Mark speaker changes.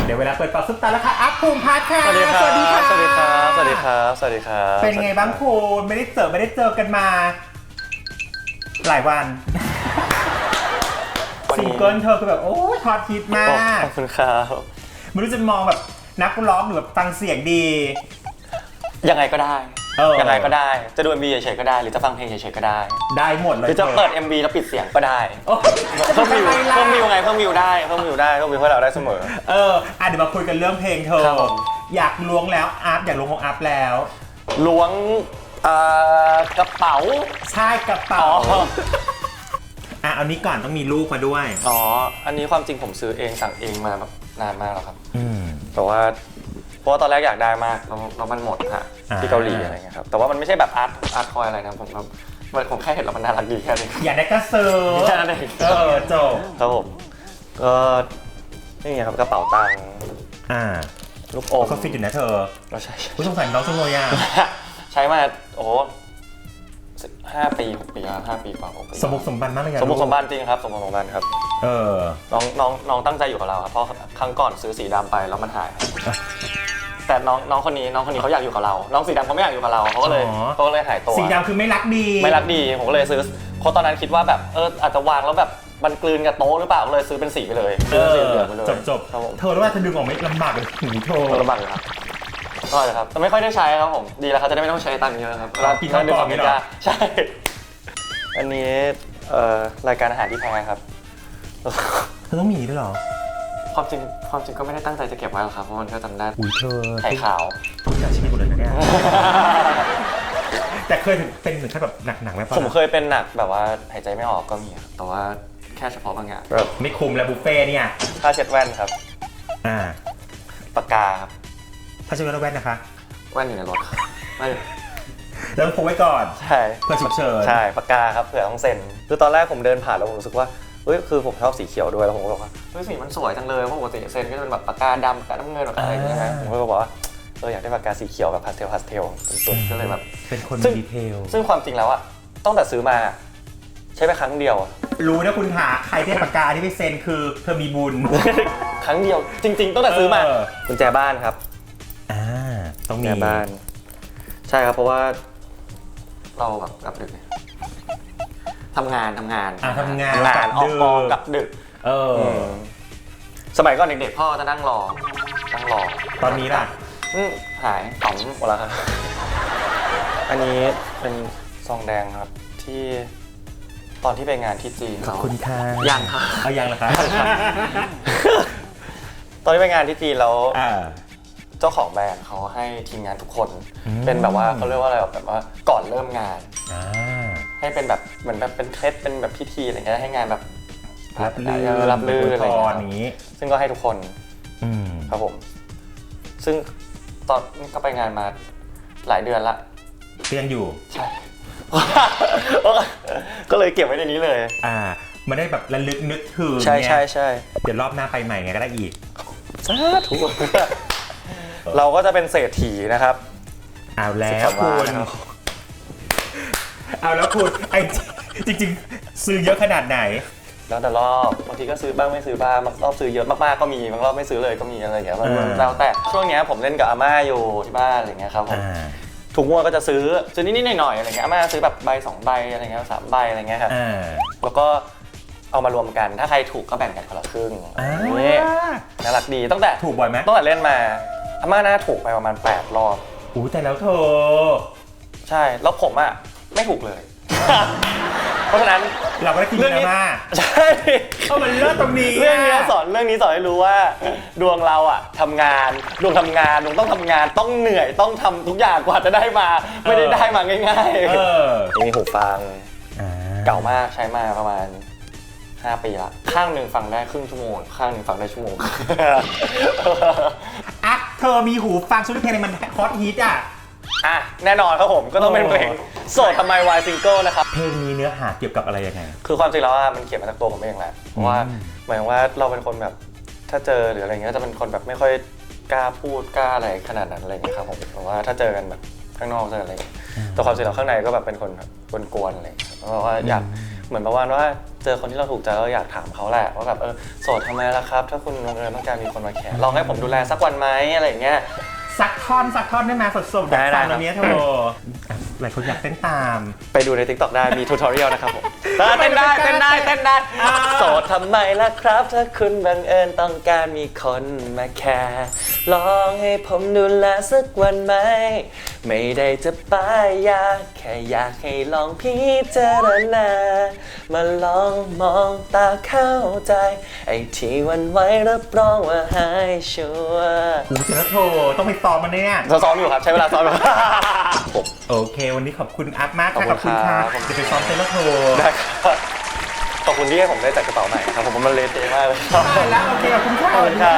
Speaker 1: เดี๋ยวเวลาเปิดปากซุปตาแล้วค่ะอัพภูมิพัฒน์ค่ะ
Speaker 2: สวัสดีครับ
Speaker 1: สวัสดีครับ
Speaker 2: สวัสดีครับสวัสดีครับสวัสดีครับ
Speaker 1: เป็นไงบ้างคุณไม่ได้เจอกันมา หลายวันซิงเกิลเธอคือแบบโอ้ยฮอตฮิตมาก
Speaker 2: ขอบคุณครับ
Speaker 1: ไม่รู้จะมองแบบนักร้องหรือแบบฟังเสียงดี
Speaker 2: ยังไงก็ได้ ยังไงก็ได้จะดู MV เฉยๆก็ได้หรือจะฟังเพลงเฉยๆก็ได้
Speaker 1: ได้หมดเลย
Speaker 2: หรือจะเปิด MV แล้วปิดเสียงก็ได้
Speaker 1: โอ้ย
Speaker 2: เพิ่มวิว
Speaker 1: จะทำไมล่ะ
Speaker 2: เพิ่มวิวไงเพิ่มวิวได้เพิ่มวิวได้เพิ่มวิวให้เราได้เสมอ
Speaker 1: เดี๋ยวมาคุยกันเรื่องเพลงเธอ
Speaker 2: ครับผม
Speaker 1: อยากล้วงแล้วอัพอยากล้วงของอัพแล้ว
Speaker 2: ล้วงกระเป๋า
Speaker 1: ใช่กระเป๋า
Speaker 2: อ๋อ
Speaker 1: เอานี้ก่อนต้องมีลูกมาด้วย
Speaker 2: อ๋ออันนี้ความจริงผมซื้อเองสั่งเองมาแบบนานมากแล้วครับ
Speaker 1: อืม
Speaker 2: แต่ว่าเพราะว่าตอนแรกอยากได้มากแล้วมันหมดฮะที่เกาหลีอะไรเงี้ยครับแต่ว่ามันไม่ใช่แบบอาร์ตคอยอะไรนะผมแค่เห็นแล้วมันน่ารักดีแค่นี้
Speaker 1: อยากได้ก็ซื้อ
Speaker 2: แค่นั้นเอง
Speaker 1: จบ
Speaker 2: ครับผมก็นี่ไงครับกระเป๋าตังค์ ลูกอม
Speaker 1: เขาฟิตอยู่นะเธอ
Speaker 2: เราใช่
Speaker 1: ผู้สงสารน้องจังเลยอ่ะ
Speaker 2: ใช้มาโอ้โห5 ปี 6 ปีแล้ว5 ปีกว่า6 ปี
Speaker 1: สมบุกสมบันมากเลยอะ
Speaker 2: สมบุกสมบันจริงครับสมบุกสมบันครับ น้องตั้งใจอยู่กับเราครับเพราะครั้งก่อนซื้อสีดำไปแล้วมันหายแต่น้องคนนี้เขาอยากอยู่กับเราน้องสีดำเขาไม่อยากอยู่กับเราเขาก็เลยหายตัว
Speaker 1: สีดำคือไม่รักดี
Speaker 2: ไม่รักดีผมก็เลยซื้อเพราะตอนนั้นคิดว่าแบบอาจจะวางแล้วแบบมันกลืนกับโต๊ะหรือเปล่าก็เลยซื้อเป็นสีไปเลยซื้อสีเหลืองไปเลย
Speaker 1: จบ
Speaker 2: ครับผม
Speaker 1: เธอรู้ว่าเธอดึงออกไม่ลำบากเลยหูเธอ
Speaker 2: ลำบากเลยครับก็เลยครับแต่ไม่ค่อยได้ใช้ครับผมดีแล้วครับจะได้ไม่ต้องใช้ตังค์เยอะครับ
Speaker 1: กินข้าวกล่องนี่เหรอ
Speaker 2: ใช่อันนี้รายการอาหารที่แพงครับ
Speaker 1: เธอต้องมีด้วยเหรอ
Speaker 2: ความจริงก็ไม่ได้ตั้งใจจะเก็บไว้หรอกครับเพราะมันก็จำได้
Speaker 1: อุ้ยเธอ
Speaker 2: ไข่ขาว
Speaker 1: ทุกอย่างชีวิตหมดเลยนะเนี่ย แต่เคยเป็นถึงขั้นแบบหนักๆไหมปะ
Speaker 2: ผมเคยเป็นหนักแบบว่าหายใจไม่ออกก็มีครับแต่ว่าแค่เฉพาะบางอย่างแบบ
Speaker 1: ไม่คุมแล้วบุฟเฟ่ต์เนี่ย
Speaker 2: ผ้าเช็ดแว่นครับ
Speaker 1: อ่า
Speaker 2: ปากกาครับ
Speaker 1: ถ้าจะเป็นแว่นนะคะ
Speaker 2: แว่นอยู่ในรถไม่
Speaker 1: แล้วพกไว้ก่อน
Speaker 2: ใช่
Speaker 1: เพื่อฉุกเฉิน
Speaker 2: ใช่ปากกาครับเผื่อต้องเซ็นคือตอนแรกผมเดินผ่านแล้วผมรู้สึกว่าเฮ้ยคือผมชอบสีเขียวด้วยแล้วผมก็บอกว่าเฮ้ยสีมันสวยจังเลยเพราะปกติเซ็นก็จะเป็นแบบปากกาดำปากกาน้ำเงินปากกาอะไรอย่างเงี้ยนะผมก็บอกว่าอยากได้ปากกาสีเขียวแบบพาสเทลสุดๆก็เลยแบบ
Speaker 1: เป็นคน
Speaker 2: ซึ่
Speaker 1: มี
Speaker 2: ง
Speaker 1: ดีเทล
Speaker 2: ซึ่งความจริงแล้วอะตั้งแต่ซื้อมาใช้ไปครั้งเดียวอะ
Speaker 1: รู้นะคุณหาใครได้ปากกาที่ไปเซ็นคือเธอมีบุญ
Speaker 2: ครั้งเดียวจริง ๆตั้งแต่ซื้อมากุญแจบ้านครับ
Speaker 1: ต้อง
Speaker 2: กุญ
Speaker 1: มี
Speaker 2: แจบ้านใช่ครับเพราะว่าเราแบบกลับดึกทำงาน
Speaker 1: ทำงาน
Speaker 2: ออกกองกลับดึกสมัยก่อนเด็กๆพ่อจะนั่งรอ
Speaker 1: ตอนนี้ล่ะ
Speaker 2: หายต่อมหมดแล้วครับอันนี้เป็นซองแดงครับที่ตอนที่ไปงานที่จีน
Speaker 1: ขอบคุณค่ะ
Speaker 2: ยังครับ
Speaker 1: เอายังเหรอคะ
Speaker 2: ตอนที่ไปงานที่จีนแล้ว
Speaker 1: อ่า
Speaker 2: เจ้าของแบรนด์เขาให้ทีมงานทุกคนเป็นแบบว่าเขาเรียกว่าอะไรแบบว่าก่อนเริ่มงาน ให้เป็นแบบเหมือนแบบเป็นเคล็ดเป็นแบบพิธีอะไรเงี้ยให้งานแบบ
Speaker 1: รับลื่น
Speaker 2: อะไร
Speaker 1: อย่างนี้
Speaker 2: ซึ่งก็ให้ทุกคนครับผมซึ่งตอนนี้ก็ไปงานมาหลายเดือนละ
Speaker 1: ก็ยังอยู่
Speaker 2: ใช่ ก็เลยเก็บไว้ในนี้เลย
Speaker 1: มันได้แบบระลึกนึกถึง
Speaker 2: ใช่
Speaker 1: เดี๋ยวรอบหน้าไปใหม่ไงก็ได้อีก
Speaker 2: สาธุเราก็จะเป็นเศรษฐีนะครับ
Speaker 1: เอาแล้วคุณไอ้จริงๆซื้อเยอะขนาดไหน
Speaker 2: แล้วแต่รอบบางทีก็ซื้อบ้างไม่ซื้อบ้างบางรอบซื้อเยอะมากๆก็มีบางรอบไม่ซื้อเลยก็มีอะไรอย่างเงี้ยแล้วแต่ช่วงนี้ผมเล่นกับอาม่าอยู่ที่บ้านอะไรเงี้ยครับผมถุงงวดก็จะซื้อนิดๆหน่อยๆอะไรเงี้ยอาม่าซื้อแบบใบ2 ใบอะไรเงี้ย3 ใบอะไรเงี้ยครับแล้วก็เอามารวมกันถ้าใครถูกก็แบ่งกันคนละครึ่งนี่น่ารักดีตั้งแต่
Speaker 1: ถูกบ่อยไหม
Speaker 2: ตั้งแต่เล่นมาอาม่าน่าถูกไปประมาณ8 รอบ
Speaker 1: แต่แล้วเธอ
Speaker 2: ใช่แล้วผมอ่ะไม่ถูกเลย เพราะฉะนั้น
Speaker 1: เราก็ได้กินนะมา
Speaker 2: ใช่
Speaker 1: มันเลิศตรงนี้
Speaker 2: เรื่องนี้สอนให้รู้ว่าดวงเราอ่ะทำงานดวงต้องทำงานต้องเหนื่อยต้องทำทุกอย่างกว่าจะได้มาไม่ได้ได้มาง่ายๆมีหูฟังเก่ามากใช้มาประมาณ5 ปีละข้างหนึ่งฟังได้ครึ่งชั่วโมงข้างหนึ่งฟังได้ชั่วโมง
Speaker 1: เธอมีหูฟังชุดเพลงอะไรมันฮอตฮิต
Speaker 2: แน่นอนครับผมก็ต้องเป็นเพลงโสดทำไมวายซิงเกิลนะครับ
Speaker 1: เพลงนี้เนื้อหาเกี่ยวกับอะไรยังไง
Speaker 2: คือความจริงแล้วมันเขียนมาจากตัวผมเองแหละเพราะว่าหมายถึงว่าเราเป็นคนแบบถ้าเจอหรืออะไรเงี้ยจะเป็นคนแบบไม่ค่อยกล้าพูดกล้าอะไรขนาดนั้นอะไรเงี้ยครับผมเพราะว่าถ้าเจอกันแบบข้างนอกเจออะไรแต่ความจริงแล้วข้างในก็แบบเป็นคนแบบกวนๆอะไรเพราะว่าอยากเหมือนประมาณว่าเจอคนที่เราถูกใจเราอยากถามเขาแหละว่าแบบโสดทำไมล่ะครับถ้าคุณบังเอิญต้องการมีคนมาแคร์ลองให้ผมดูแลสักวันไหมอะไรอย่างเงี้ย
Speaker 1: สักท่อนได้ไหมสดๆแบบฟังแบบนี้เธอหลายคนอยากเต้นตาม
Speaker 2: ไปดูใน TikTok ได้มีทูทอเรียลนะครับผมเต้นได้โสดทำไมล่ะครับถ้าคุณบังเอิญต้องการมีคนมาแคร์ลองให้ผมดูแลสักวันไหมไม่ได้จะป้ายยาแค่อยากให้ลองพิจารณามาลองมองตาเข้าใจไอ้ที่วันไว้รับรองว่าหายชัวร์
Speaker 1: โอ้เจอโทรต้องไปซ้อมมันเนี่ย
Speaker 2: ซ้อมอยู่ครับใช้เวลาซ้อมอยู่
Speaker 1: โอเควันนี้ขอบคุณอัพมากค่ะขอบคุณค่ะจะไปซ้อมเซนโทร
Speaker 2: ได้ครับขอบคุณที่ให้ผมได้จัดกระเป๋าใหม่ครับผมมันเลเทมากเลย
Speaker 1: แล้วโอเคขอบคุณค่ะ